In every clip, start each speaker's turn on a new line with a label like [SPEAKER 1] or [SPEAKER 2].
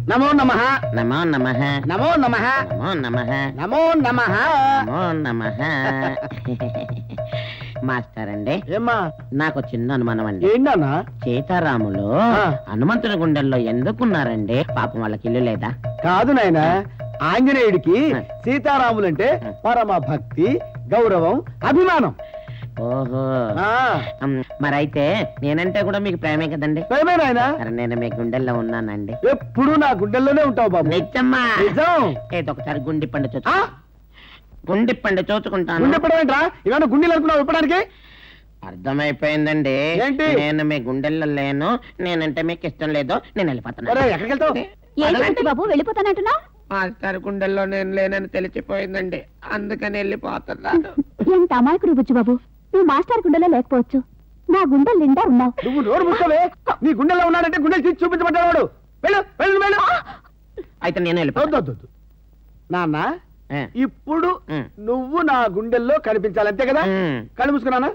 [SPEAKER 1] నమో నమః
[SPEAKER 2] నమో నమః
[SPEAKER 1] నమో నమః
[SPEAKER 2] నమో నమః
[SPEAKER 1] నమో నమః
[SPEAKER 2] నమో నమః. మాస్టర్ అండి,
[SPEAKER 1] ఏమ్మా
[SPEAKER 2] నాకు చిన్న అనుమానం అండి.
[SPEAKER 1] ఏంటన్నా?
[SPEAKER 2] సీతారాములు హనుమంతుని గుండెల్లో ఎందుకున్నారండి? పాపం వాళ్ళకి ఇల్లు లేదా?
[SPEAKER 1] కాదు నాయన, ఆంజనేయుడికి సీతారాములంటే పరమ భక్తి, గౌరవం, అభిమానం.
[SPEAKER 2] ఓహో, మరైతే నేనంటే కూడా మీకు ప్రేమే కదండి?
[SPEAKER 1] ప్రేమే నాయన.
[SPEAKER 2] మరి నేను మీ గుండెల్లో ఉన్నానండి.
[SPEAKER 1] ఎప్పుడు నా గుండెల్లోనే ఉంటావు బాబు.
[SPEAKER 2] నిజమ్మా?
[SPEAKER 1] నిజం.
[SPEAKER 2] ఏదో ఒకసారి గుండి పండు గుండిప్పండి చూచుకుంటాను.
[SPEAKER 1] గుండెప్పడం ఏంట్రా? ఇవన్నీ గుండెలు అనుకున్నావు ఇప్పడానికి?
[SPEAKER 2] అర్థమైపోయిందండి.
[SPEAKER 1] ఏంటి?
[SPEAKER 2] నేను మీ గుండెల్లో లేను, నేనంటే మీకు ఇష్టం లేదో నేను వెళ్ళిపోతాను.
[SPEAKER 1] ఎక్కడికి వెళ్తావు
[SPEAKER 3] బాబు? వెళ్ళిపోతానంటున్నా?
[SPEAKER 2] మాస్టర్ గుండెల్లో నేను లేనని తెలిసిపోయిందండి, అందుకని వెళ్ళిపోతున్నాను.
[SPEAKER 3] ఎంత అమాయకుడు బుజ్జు బాబు, నువ్వు మాస్టర్ గుండెలో లేకపోవచ్చు, నా గుండెలు నిండా ఉన్నావు.
[SPEAKER 1] నువ్వు నోరు ముక్కవే. నీ గుండెల్లో ఉన్నాడంటే గుండెలు తీసి చూపించబడ్డాడు. వెళ్ళు వెళ్ళు వెళ్ళు.
[SPEAKER 2] అయితే నేను వెళ్ళిపోతాను.
[SPEAKER 1] నాన్న, ఇప్పుడు నువ్వు నా గుండెల్లో కనిపించాలి, అంతే కదా? కళ్ళు మూసుకున్నానా?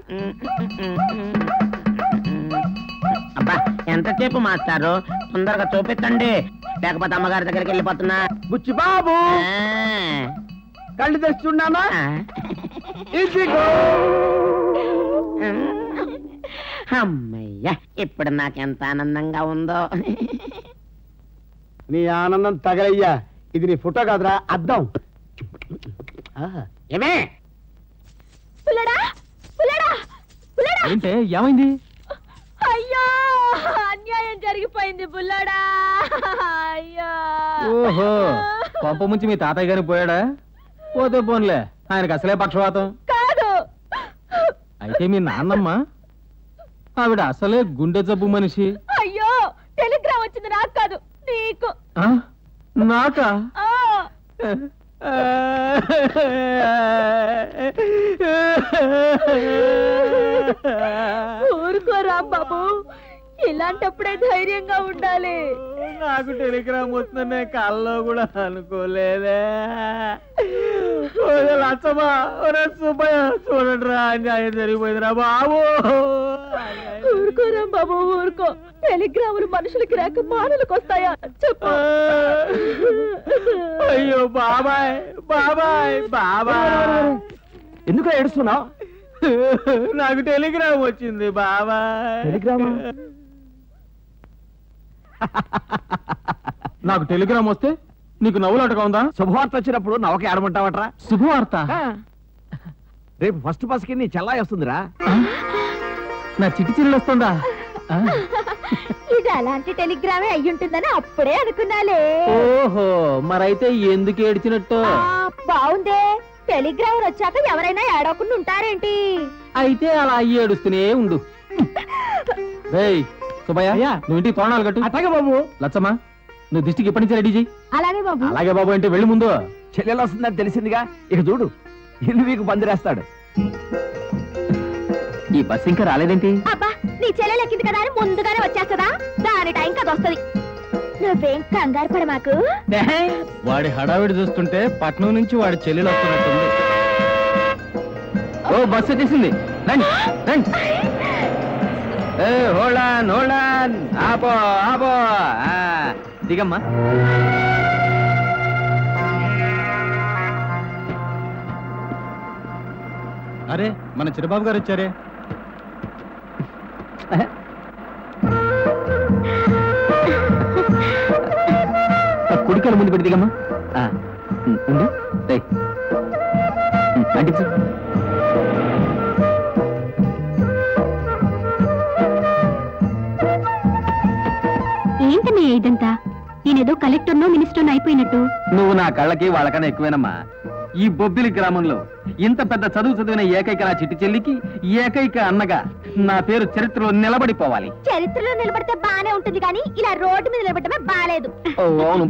[SPEAKER 2] అబ్బా, ఎంతసేపు మాస్టారు, తొందరగా చూపించండి, లేకపోతే అమ్మగారి దగ్గరికి వెళ్ళిపోతున్నా.
[SPEAKER 1] బుచ్చి బాబు, కళ్ళు తెస్తున్నానా?
[SPEAKER 2] అమ్మయ్యా, ఇప్పుడు నాకెంత ఆనందంగా ఉందో.
[SPEAKER 1] నీ ఆనందం తగలయ్యా, ఇది నీ ఫోటో కాదురా, అద్దం. ఏమే
[SPEAKER 4] ఏంటే, ఏమైంది?
[SPEAKER 3] అయ్యో, అన్యాయం జరిగిపోయింది బుల్లడా. అయ్యో.
[SPEAKER 4] ఓహో, కొంప ముంచి మీ తాతయ్య గారికి పోయాడా? పోతే పోన్లే, ఆయనకు అసలే పక్షవాతం
[SPEAKER 3] కాదు.
[SPEAKER 4] అయితే మీ నాన్నమ్మ, ఆవిడ అసలే గుండె జబ్బు మనిషి.
[SPEAKER 3] అయ్యో, టెలిగ్రామ్ వచ్చింది, నాకు కాదు నీకు.
[SPEAKER 4] నాకా?
[SPEAKER 3] ఊరుకో రాంబాబు, ఇలాంటప్పుడే ధైర్యంగా ఉండాలి.
[SPEAKER 4] నాకు టెలిగ్రామ్ వస్తుందనే కల్లో కూడా అనుకోలేదే. లచ్చమ్మా, సుబ్బయ్య, చూడండి రా, అన్యాయం జరిగిపోయిందిరా బాబు.
[SPEAKER 3] ఊరుకో రాంబాబు, ఊరుకో. టెలిగ్రాములు మనుషులకి రాక మానవులకు వస్తాయా చెప్పు.
[SPEAKER 4] అయ్యో బాబాయ్, బాబాయ్, బాబాయ్,
[SPEAKER 1] ఎందుకు ఏడుస్తున్నావు?
[SPEAKER 4] నాకు టెలిగ్రామ్ వచ్చింది బాబాయ్.
[SPEAKER 1] టెలిగ్రామా?
[SPEAKER 4] నాకు టెలిగ్రామ్ వస్తే నీకు నవ్వులాటగా ఉందా?
[SPEAKER 1] శుభవార్త వచ్చినప్పుడు నవ్వకి ఆడమంటావట్రా?
[SPEAKER 4] శుభవార్త?
[SPEAKER 1] రేపు ఫస్ట్ బస్కి నీ చెల్లాయి వస్తుందిరా.
[SPEAKER 4] నా చిట్టి చిల్లు వస్తుందా?
[SPEAKER 3] ఇది అలాంటి టెలిగ్రామే అయ్యుంటుందని అప్పుడే అనుకున్నాలే.
[SPEAKER 4] ఓహో, మరైతే ఎందుకు ఏడ్చినట్టు?
[SPEAKER 3] బాగుందే, టెలిగ్రామ్ వచ్చాక ఎవరైనా ఏడవకుండా ఉంటారేంటి?
[SPEAKER 4] అయితే అలా ఏడుస్తూనే ఉండు. సుబ్బయ్య, నువ్వు ఇంటికి తోరణాలు కట్టు.
[SPEAKER 1] అట్లాగే బాబు.
[SPEAKER 4] లచ్చమ్మా, నువ్వు దిష్టికి ఎప్పటి నుంచి రెడీ చెయ్యి.
[SPEAKER 3] అలాగే బాబు.
[SPEAKER 4] అలాగే బాబు అంటే వెళ్ళి ముందు.
[SPEAKER 1] చెల్లెలు వస్తుందని తెలిసిందిగా, ఇక చూడు, ఇల్లు మీకు బందిరేస్తాడు.
[SPEAKER 4] ఈ బస్ ఇంకా రాలేదేంటి?
[SPEAKER 3] అబ్బా, నీ చెల్లెలు ఎక్కింది కదా అని ముందుగానే వచ్చేస్తుందా? దాని టైం కదా వస్తుంది. నువ్వేం కంగారు పడ మాకు.
[SPEAKER 4] వాడి హడావిడి చూస్తుంటే పట్నం నుంచి వాడి చెల్లెలు వస్తున్నట్టుంది. ఓ, బస్సు వచ్చేసింది, రండి రండి. హోల్డ్ ఆన్, ఆపో ఆపో, దిగమ్మా. అరే, మన చిరబాబు గారు వచ్చారే. కుడికాలు ముందు పెట్టి దిగమ్మా. ఉండు, అంటించు.
[SPEAKER 3] ఏంటనే ఇదంతా? నేనేదో కలెక్టర్నో మినిస్టర్నో అయిపోయినట్టు.
[SPEAKER 4] నువ్వు నా కళ్ళకి వాళ్ళకన్నా ఎక్కువేనమ్మా. ఈ బొబ్బిలి గ్రామంలో ఇంత పెద్ద చదువు చదివిన ఏకైక నా చిట్టి చెల్లికి ఏకైక అన్నగా నా పేరు చరిత్రలో నిలబడిపోవాలి.
[SPEAKER 3] చరిత్రలో నిలబడితే బానే ఉంటుంది కానీ ఇలా రోడ్డు మీద నిలబడమే బాలేదు.
[SPEAKER 4] అవును,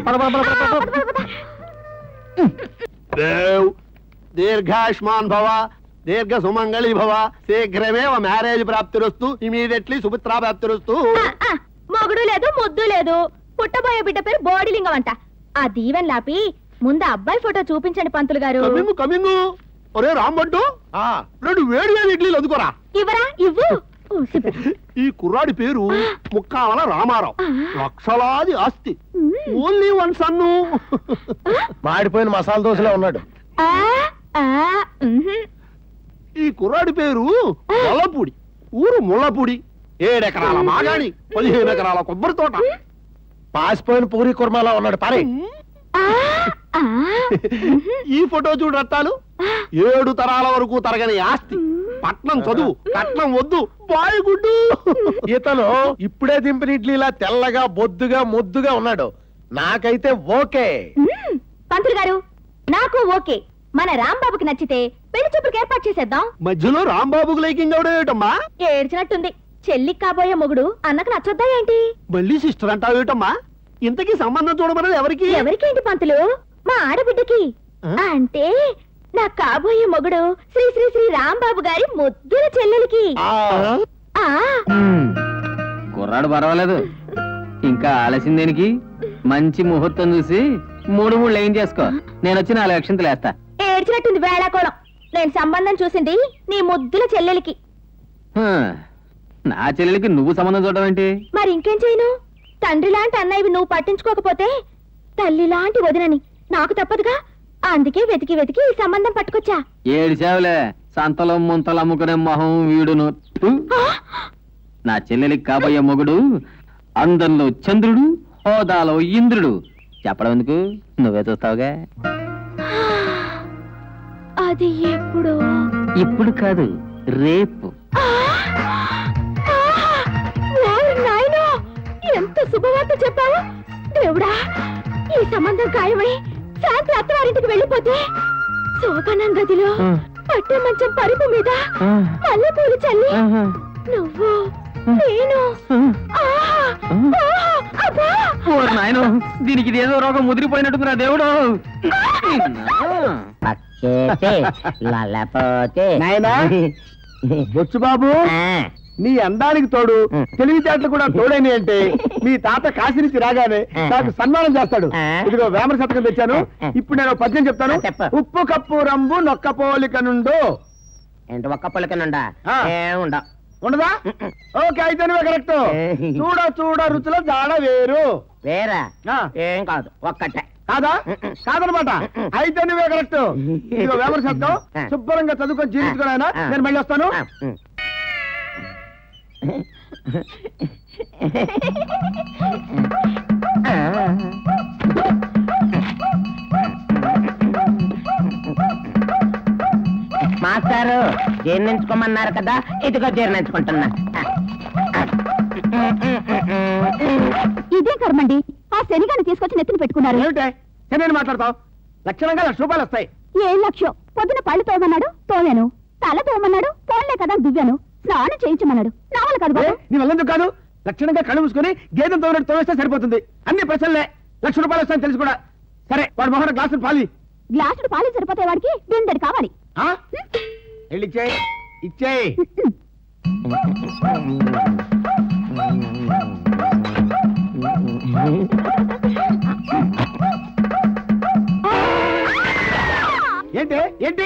[SPEAKER 1] దీర్ఘాయుష్మాన్ భవ, దీర్ఘ సుమంగళి భవ, శీఘ్రమేవ మ్యారేజ్ ప్రాప్తిరస్తు, ఇమీడియట్లీ సుపుత్రా ప్రాప్తిరస్తు.
[SPEAKER 3] మొగుడు లేదు, ముద్దు లేదు, పుట్టబోయే బిడ్డ పేరు బోడిలింగం అంట. ఆ దీవెన్ లాపి ముందు అబ్బాయి ఫోటో చూపించండి పంతులు గారు.
[SPEAKER 1] కమింగు. ఒరే రాంబంటు, 2 వేడి వేడి ఇడ్లీలు అందుకోరా.
[SPEAKER 3] ఇవ్వరా? ఇవ్వు.
[SPEAKER 1] ఈ కుర్రాడి పేరు ముక్కావల రామారావు. లక్షలాది ఆస్తి, ఓన్లీ వన్ సన్ను.
[SPEAKER 5] మాడిపోయిన మసాలా దోశలో ఉన్నాడు.
[SPEAKER 1] ఈ కుర్రాడి పేరు ముల్లపూడి, ఊరు ముల్లపూడి. 7 ఎకరాల మాగాణి, 15 ఎకరాల కొబ్బరి తోట.
[SPEAKER 5] పాసిపోయిన పూరి కుర్మాలో ఉన్నాడు. పారే.
[SPEAKER 1] ఈ ఫోటో చూడు రత్తాలు. 7 తరాల వరకు తరగని ఆస్తి, పట్నం చదువు, కట్నం వద్దు, బాయగుడ్డు.
[SPEAKER 5] ఇతను ఇప్పుడే దింపిన ఇడ్లీలా తెల్లగా బొద్దుగా ముద్దుగా ఉన్నాడు. నాకైతే ఓకే.
[SPEAKER 3] పంతులు గారు, నాకు ఓకే. మన రాంబాబుకి నచ్చితే పెళ్లి చూపులకు ఏర్పాటు చేసేద్దాం.
[SPEAKER 1] మధ్యలో రాంబాబుకు లైకింగ్ అవడం ఏమిటమ్మా?
[SPEAKER 3] ఏడ్చినట్టుంది. చెల్లికి కాబోయే మొగుడు అన్నకు నచ్చొద్దా ఏంటి?
[SPEAKER 1] మళ్ళీ సిస్టర్ అంటావు ఏమిటమ్మా? ఇంతకీ సంబంధం చూడమన్నది ఎవరికి?
[SPEAKER 3] ఎవరికేంటి పంతులు? మా ఆడబిడ్డకి. అంటే నా కాబోయే మొగుడు శ్రీ శ్రీ శ్రీ రాంబాబు గారి ముద్దుల చెల్లెలికి.
[SPEAKER 4] కుర్రాడు పర్వాలేదు, ఇంకా ఆలస్యం దేనికి? మంచి ముహూర్తం చూసి 3 లైన్ చేసుకో. నేను వచ్చి 4 అక్షంతలు వేస్తా.
[SPEAKER 3] ఏడ్చినట్టుంది వేళాకోళం. నేను సంబంధం చూసింది నీ ముద్దుల చెల్లెలికి.
[SPEAKER 4] నా చెల్లెలికి నువ్వు సంబంధం చూడడం ఏంటి?
[SPEAKER 3] మరి ఇంకేం చేయను? తండ్రి లాంటి అన్నయ్యవి నువ్వు పట్టించుకోకపోతే తల్లి లాంటి వదినని నాకు తప్పదుగా. అందుకే వెతికి వెతికి ఈ సంబంధం పట్టుకొచ్చా.
[SPEAKER 4] ఏడిచావులే, సంతలో ముంతలు అమ్ముకునే మొహం వీడును. నా చెల్లెలికి కాబోయే మొగుడు అందంలో చంద్రుడు, హోదాలో ఇంద్రుడు. చెప్పడం ఎందుకు, నువ్వే చూస్తావుగా.
[SPEAKER 3] అది ఎప్పుడు?
[SPEAKER 4] ఇప్పుడు కాదు, రేపు.
[SPEAKER 3] ఎంత శుభవార్త చెప్పావు దేవుడా. ఈ సంబంధం ఖాయమై శాంతి అత్తవారింటికి వెళ్ళిపోతే శోభనం గదిలో పట్టే మంచం పరుపు మీద మల్లెపూలు చల్లి నువ్వు నేను.
[SPEAKER 4] నాయన, దీనికి ఇదేదో రోగం ముదిరిపోయినట్టుందిరా దేవుడు.
[SPEAKER 1] నాయనా బొచ్చు బాబు, నీ అందానికి తోడు తెలివితేటలు కూడా తోడైన అంటే మీ తాత కాశీ నుంచి రాగానే నాకు సన్మానం చేస్తాడు. ఇదిగో వేమన శతకం తెచ్చాను. ఇప్పుడు నేను పద్యం చెప్తాను. ఉప్పు కప్పు రంబు నొక్క పోలిక నుండు.
[SPEAKER 2] ఏంటి ఒక్క పోలిక నుండా?
[SPEAKER 1] ఉండదా? ఓకే, అయితే నువ్వే కరెక్ట్. చూడ చూడ రుచుల జాడ వేరు.
[SPEAKER 2] వేరా? ఏం కాదు, ఒక్కటే.
[SPEAKER 1] కాదా? కాదనమాట. అయితే నువ్వే కరెక్ట్. ఇదిగో వేమన శతకం శుభ్రంగా చదువుకొని జీవించుకున్నాయన. నేను మళ్ళీ వస్తాను.
[SPEAKER 2] మాస్టారు జీర్ణించుకోమన్నారు కదా, ఇదిగో జీర్ణించుకుంటున్నా.
[SPEAKER 3] ఇదే కర్మండి. ఆ శనిగాని తీసుకొచ్చి నెత్తిని పెట్టుకున్నారు.
[SPEAKER 1] ఏమిటే నేను మాట్లాడతావు? లక్షణంగా 1,00,000 రూపాయలు వస్తాయి.
[SPEAKER 3] ఏం లక్ష్యం? పొద్దున పళ్ళు తోమన్నాడు, తోమాను. తల తోమన్నాడు, పోన్లే కదా దువ్వాను. స్నానం చేయించమన్నాడు, నా వల్ల కాదు బాబు.
[SPEAKER 1] నీ వల్లందుకు కాదు. లక్షణంగా కళ్ళు మూసుకుని గేదెం తోమినట్టు తోవేస్తే సరిపోతుంది. అన్ని ప్రశ్నలే. 1,00,000 రూపాయలు వస్తాయని తెలుసు కూడా. సరే, వాడు మొహన గ్లాసులు పాలి.
[SPEAKER 3] గ్లాసుడు పాలు సరిపోతే వాడికి బిందెడు కావాలి.
[SPEAKER 1] ఇచ్చేయి, ఇచ్చేయి. ఏంటి ఏంటి?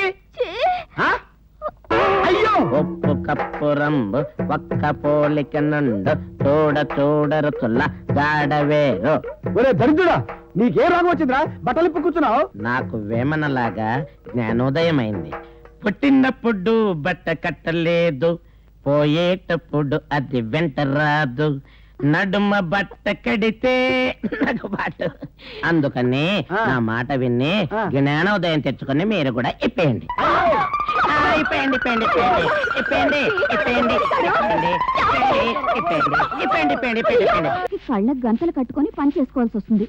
[SPEAKER 1] అయ్యో,
[SPEAKER 2] ఉప్పు కప్పు రంబు ఒక్క పోలిక నుండు చూడ చూడరుచుల్ల గాడవేరు.
[SPEAKER 1] ఒరే దరిద్రుడా, నీకే రోగం వచ్చిందిరా? బట్టలు ఇప్పు కూర్చున్నావు.
[SPEAKER 2] నాకు వేమనలాగా జ్ఞానోదయమైంది. పుట్టినప్పుడు బట్ట కట్టలేదు, పోయేటప్పుడు అది వెంట రాదు. నడుమ బట్ట కడితే నాకు బాటు. అందుకని నా మాట విని జ్ఞానోదయం తెచ్చుకుని మీరు కూడా ఇప్పేయండి. ఇప్పేయండి, ఇప్పేయండి, ఇప్పేయండి, ఇప్పేయండి, ఇప్పేయండి, ఇప్పేయండి, ఇప్పేయండి, ఇప్పేయండి.
[SPEAKER 3] కళ్ళకు గంటలు కట్టుకొని పని చేసుకోవాల్సి వస్తుంది.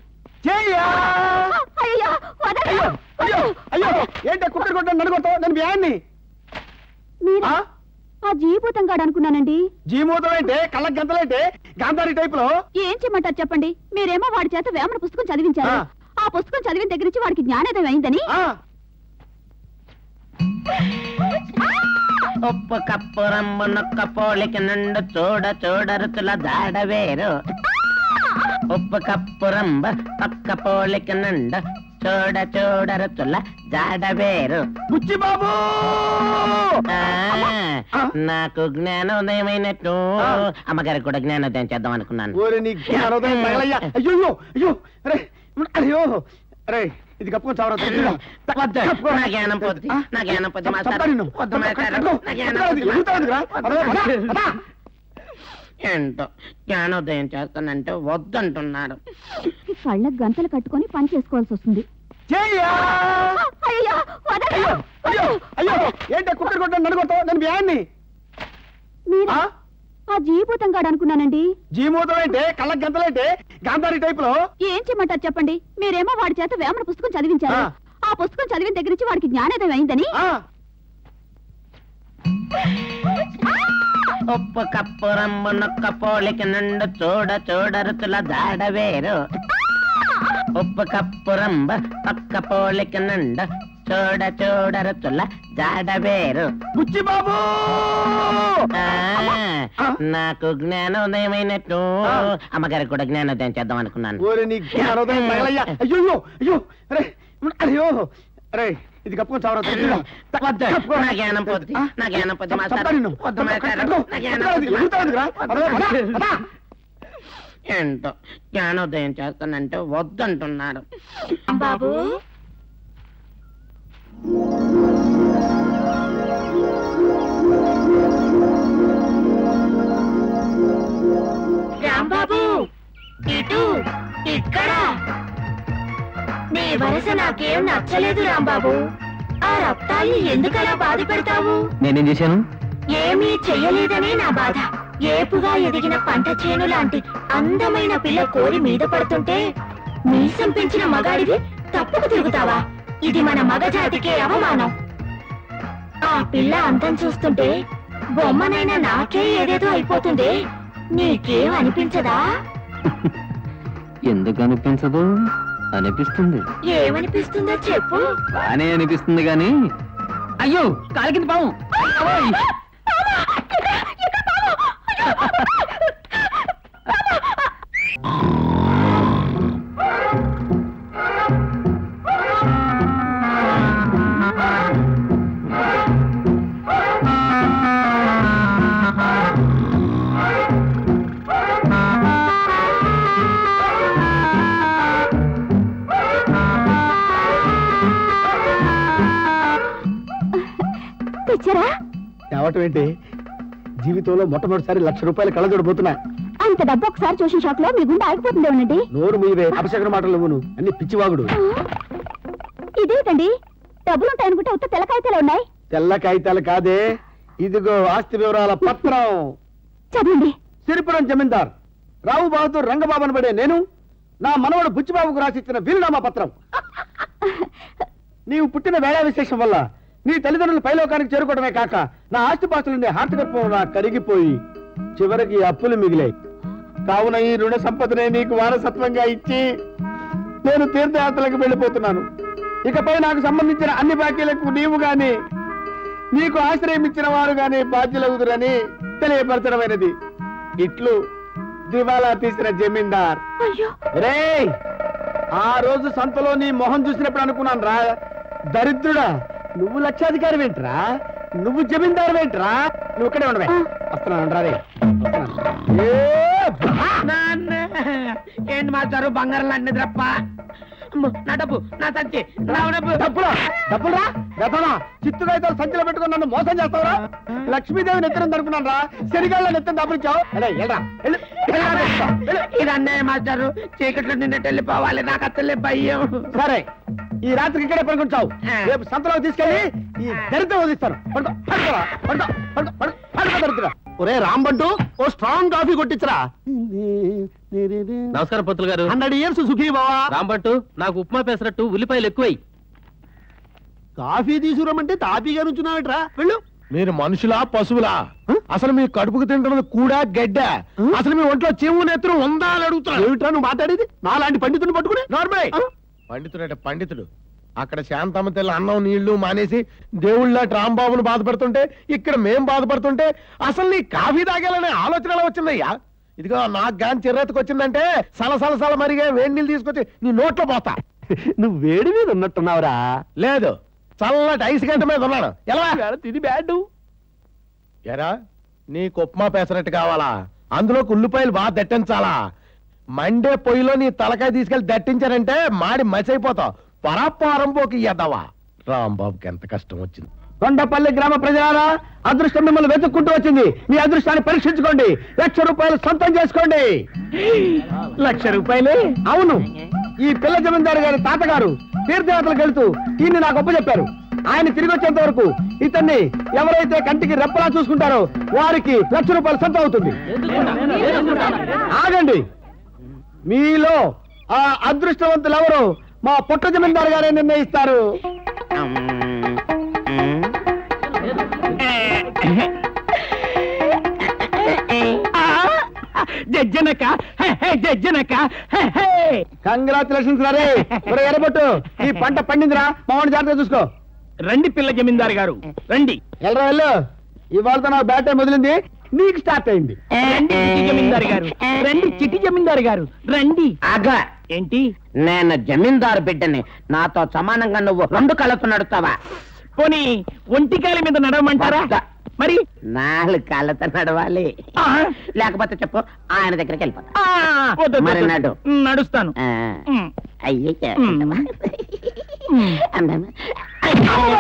[SPEAKER 1] ఏంటి కుక్కర్ కొట్టాను నన్ను కొడతావు? నేను వ్యాన్ని
[SPEAKER 3] ఆ జీభూతం గాడు అనుకున్నానండి.
[SPEAKER 1] జీమూతం అంటే కళ్ళ గంతలంటే గాంధారి టైప్ లో.
[SPEAKER 3] ఏం చేయమంటారు చెప్పండి? మీరేమో వాడి చేత వేమన పుస్తకం చదివించారు. ఆ పుస్తకం చదివిన దగ్గర నుంచి వాడికి జ్ఞానోదయం అయిందని.
[SPEAKER 2] ఉప్పు కప్పు రంబు నొక్క పోలిక నుండు చూడ చూడరుచుల దాడవేరు. ఉప్పు కప్పు రంబ పక్క పోలిక నుండు చూడ చూడరుచుల జాడవేరు.
[SPEAKER 1] బుచ్చి బాబు
[SPEAKER 2] నాకు జ్ఞానోదయమైనట్టు అమ్మగారికి కూడా జ్ఞానోదయం చేద్దాం అనుకున్నాను.
[SPEAKER 1] ఓరి నీ జ్ఞానోదయం తగలయ్యా. అయ్యో అయ్యో అరే అయ్యో అరే ఇది కప్పుకొని చావరా.
[SPEAKER 2] నా జ్ఞానం పొద్దు, నా జ్ఞానం పొద్దు మాస్టారు. వద్దు మాస్టారు, నా జ్ఞానం ఏంటో జ్ఞానోదయం చేస్తానంటే వద్దంటున్నాడు.
[SPEAKER 3] కళ్ళకు గంటలు కట్టుకొని పని చేసుకోవాల్సి వస్తుంది.
[SPEAKER 1] ఏంటి కుక్కర్ కొట్టాను నన్ను కొడతావు? నేను వ్యాన్ని
[SPEAKER 3] ఆ జీభూతం గాడు అనుకున్నానండి.
[SPEAKER 1] జీమూతం అంటే కళ్ళకు గంతలంటే గాంధారి టైప్ లో.
[SPEAKER 3] ఏం చేయమంటారు చెప్పండి? మీరేమో వాడి చేత వేమన పుస్తకం చదివించారు. ఆ పుస్తకం చదివిన దగ్గర నుంచి వాడికి జ్ఞానోదయం అయిందని.
[SPEAKER 2] ఉప్పు కప్పు రంబు నొక్క పోలిక నుండు చూడ చూడరుచుల జాడవేరు. ఉప్పు కప్పు రంబ పక్క పోలిక నుండు చూడ చూడరుచుల జాడవేరు.
[SPEAKER 1] బుచ్చి బాబు
[SPEAKER 2] నాకు జ్ఞానోదయమైనట్టు అమ్మగారికి కూడా జ్ఞానోదయం చేద్దాం అనుకున్నాను.
[SPEAKER 1] ఓరి నీ జ్ఞానోదయం తగలయ్యా. అయ్యో అయ్యో అరే అయ్యో అరే ఇది కప్పుకొని చావరా.
[SPEAKER 2] నా జ్ఞానం పొద్దు, నా జ్ఞానం పొద్దు మాస్టారు. వద్దు మాస్టారు, నా జ్ఞానం ఏంటో జ్ఞానోదయం చేస్తానంటే వద్దంటున్నాడు.
[SPEAKER 3] బాబు రాంబాబు ఇటు ఇక్కడ నీ వరస నాకేం నచ్చలేదు రాంబాబు. ఆ రక్తాల్ని ఎందుకలా బాధ పెడతావు?
[SPEAKER 4] నేనేం చేశాను?
[SPEAKER 3] ఏమీ చెయ్యలేదనే నా బాధ. ఏపుగా ఎదిగిన పంట చేను లాంటి అందమైన పిల్ల కోరి మీద పడుతుంటే మీసం పెంచిన మగాడివి తప్పుకు తిరుగుతావా? ఇది మన మగజాతికే అవమానం. ఆ పిల్ల అందం చూస్తుంటే బొమ్మనైనా నాకే ఏదేదో అయిపోతుంది. నీకేం అనిపించదా?
[SPEAKER 4] ఎందుకు అనిపించదు? అనిపిస్తుంది.
[SPEAKER 3] ఏమనిపిస్తుందో చెప్పు.
[SPEAKER 4] బానే అనిపిస్తుంది గాని అయ్యో కాలి కింద పాము.
[SPEAKER 3] తెచ్చరా?
[SPEAKER 1] తేవటం ఏంటి? జీవితంలో మొట్టమొదటిసారి ₹1,00,000 కళ్ళజోడబోతున్నా.
[SPEAKER 3] అంత డబ్బు ఒకసారి చూసిన షాక్ లో మీ గుండె ఆగిపోతుంది. ఉండండి.
[SPEAKER 1] నోరు మీవే అపశకర మాటలు నువ్వు అన్ని పిచ్చివాగుడు.
[SPEAKER 3] ఇదేంటండి డబ్బులుంటాయనుకుంటే ఉత్త తెల్ల కాగితాలు ఉన్నాయి.
[SPEAKER 1] తెల్ల కాగితాలు కాదే, ఇదిగో ఆస్తి వివరాల పత్రం.
[SPEAKER 3] చదవండి.
[SPEAKER 1] సిరిపురం జమీందార్ రావు బహదూర్ రంగబాబు అనబడే నేను నా మనవడు బుచ్చిబాబుకు రాసిచ్చిన వీలునామా పత్రం. నీవు పుట్టిన వేళా విశేషం వల్ల నీ తల్లిదండ్రులు పైలోకానికి చేరుకోవడమే కాక నా ఆస్తిపాస్తులుండే హార్తగర్భం నా కరిగిపోయి చివరికి అప్పులు మిగిలాయి. కావున ఈ రుణ సంపదనే నీకు వారసత్వంగా ఇచ్చి నేను తీర్థయాత్రలకు వెళ్ళిపోతున్నాను. ఇకపై నాకు సంబంధించిన అన్ని బాకీలకు నీవు గాని నీకు ఆశ్రయం ఇచ్చిన వారు గాని బాధ్యులవుదురని తెలియపరచడమైనది. ఇట్లు దివాలా తీసిన జమీందార్. రే ఆ రోజు సంతలో నీ మొహం చూసినప్పుడు అనుకున్నాను రా, దరిద్రుడా నువ్వు లక్షాధికారి ఏంట్రా, నువ్వు జమీందారు ఏంట్రా, నువ్వు ఇక్కడే ఉండవే. వస్తున్నాను రా. రే
[SPEAKER 2] ఏంటి మాస్టారు బంగారం లాంటి నిద్రప్ప? నా డబ్బు, నా సంచి,
[SPEAKER 1] డబ్బురా గతనా చిత్తుగా సంచిలో పెట్టుకుని నన్ను మోసం చేస్తావురా? లక్ష్మీదేవి నెత్తిన అనుకున్నాను రా, శనిగాళ్ళ నెత్తిన దాపురిచావు.
[SPEAKER 2] ఇది అన్నయ్య మాస్టారు, చీకట్లో నిన్నట్టు వెళ్ళిపోవాలి, నాకు అసలే భయం.
[SPEAKER 1] సరే ఈ రాత్రికి ఇక్కడే పడుకుంటావు, రేపు సంతలో తీసుకెళ్లి ఈ దరిద్రం వదిలిస్తాను. దరిద్ర ఒరే రాంబంటూ ఓ స్ట్రాంగ్ కాఫీ కొట్టించరా.
[SPEAKER 4] నమస్కారం పంతులు గారు.
[SPEAKER 1] 100 years సుఖీ బావా.
[SPEAKER 4] రాంబట్టు నాకు ఉప్మా పెసరట్టు ఉల్లిపాయలు ఎక్కువై.
[SPEAKER 1] కాఫీ తీసుకురమ్మంటే తాపీగా నుంచున్నావిట్రా, వెళ్ళు.
[SPEAKER 5] మీరు మనుషులా పశువులా? అసలు మీ కడుపుకు తింటున్నది కూడా గడ్డ. అసలు మీ ఒంట్లో చెవు నెత్తురు ఉందా అని అడుగుతున్నా.
[SPEAKER 1] ఏమిట్రా నువ్వు మాట్లాడేది? నాలాంటి పండితుని పట్టుకుని
[SPEAKER 5] నార్మల్ పండితుడు పండితుడు అక్కడ శాంతమ్మ తెల్ల అన్నం నీళ్లు మానేసి దేవుళ్ళ రాంబాబును బాధపడుతుంటే ఇక్కడ మేం బాధపడుతుంటే అసలు నీ కాఫీ తాగాలనే ఆలోచన ఎలా వచ్చిందయ్యా? ఇదిగో నాకు గాని చిర్రెత్తుకు వచ్చిందంటే సలసల మరిగే వేడి నీళ్ళు తీసుకొచ్చి నీ నోట్లో పోతా.
[SPEAKER 1] నువ్వు వేడి మీద ఉన్నట్టున్నావురా.
[SPEAKER 5] లేదు, చల్లటి ఐస్ గంట మీద ఉన్నాను. ఎలా
[SPEAKER 1] ఇది బ్యాడ్.
[SPEAKER 5] ఎరా, నీకు ఉప్మా పెసరట్టు కావాలా? అందులో ఉల్లిపాయలు బాగా దట్టించాలా? మండే పొయ్యిలో నీ తలకాయ తీసుకెళ్లి దట్టించారంటే మాడి మసైపోతావు. పరాపారం పోకి ఎద్దవా. రాంబాబుకి ఎంత కష్టం వచ్చింది.
[SPEAKER 1] కొండపల్లి గ్రామ ప్రజలారా, అదృష్టం మిమ్మల్ని వెతుక్కుంటూ వచ్చింది. మీ అదృష్టాన్ని పరీక్షించుకోండి. 1,00,000 రూపాయలు సొంతం చేసుకోండి. 1,00,000 రూపాయలే? అవును. ఈ పిల్ల జమీందారు గారి తాతగారు తీర్థయాత్రలకు వెళ్తూ ఈయన్ని నాకు అప్పచెప్పారు. ఆయన తిరిగి వచ్చేంత వరకు ఇతన్ని ఎవరైతే కంటికి రెప్పలా చూసుకుంటారో వారికి 1,00,000 రూపాయలు సొంతం అవుతుంది. ఆగండి. మీలో ఆ అదృష్టవంతులు ఎవరు మా పుట్ట జమీందారు గారే నిర్ణయిస్తారు. కంగ్రాచులేషన్స్ రే. ఎర్రబొట్టు, ఈ పంట పండిందిరా. మామూలు జాగ్రత్తగా చూసుకో.
[SPEAKER 6] రండి పిల్ల జమీందారు గారు, రండి.
[SPEAKER 1] వెళ్ళరా వెళ్ళు. ఇవాళతో నా బ్యాట్ టైం వదిలింది, నీకు స్టార్ట్ అయింది.
[SPEAKER 6] రండి చిట్టి జమీందారు గారు, రండి చిట్టి జమీందారు గారు, రండి.
[SPEAKER 2] ఆగా,
[SPEAKER 6] ఏంటి?
[SPEAKER 2] నేను జమీందారు బిడ్డని. నాతో సమానంగా నువ్వు 2 కాళ్ళతో నడుస్తావా?
[SPEAKER 6] పోనీ ఒంటికాలి మీద నడవమంటారా? మరి
[SPEAKER 2] 4 కాళ్ళతో నడవాలి.
[SPEAKER 6] ఆ,
[SPEAKER 2] లేకపోతే చెప్పు, ఆయన దగ్గరికి వెళ్ళిపోతా.
[SPEAKER 6] ఆ, వద్దు,
[SPEAKER 2] మరి
[SPEAKER 6] వద్దు.
[SPEAKER 2] నడు.
[SPEAKER 6] నడుస్తాను.
[SPEAKER 2] అయ్యే
[SPEAKER 6] మ్.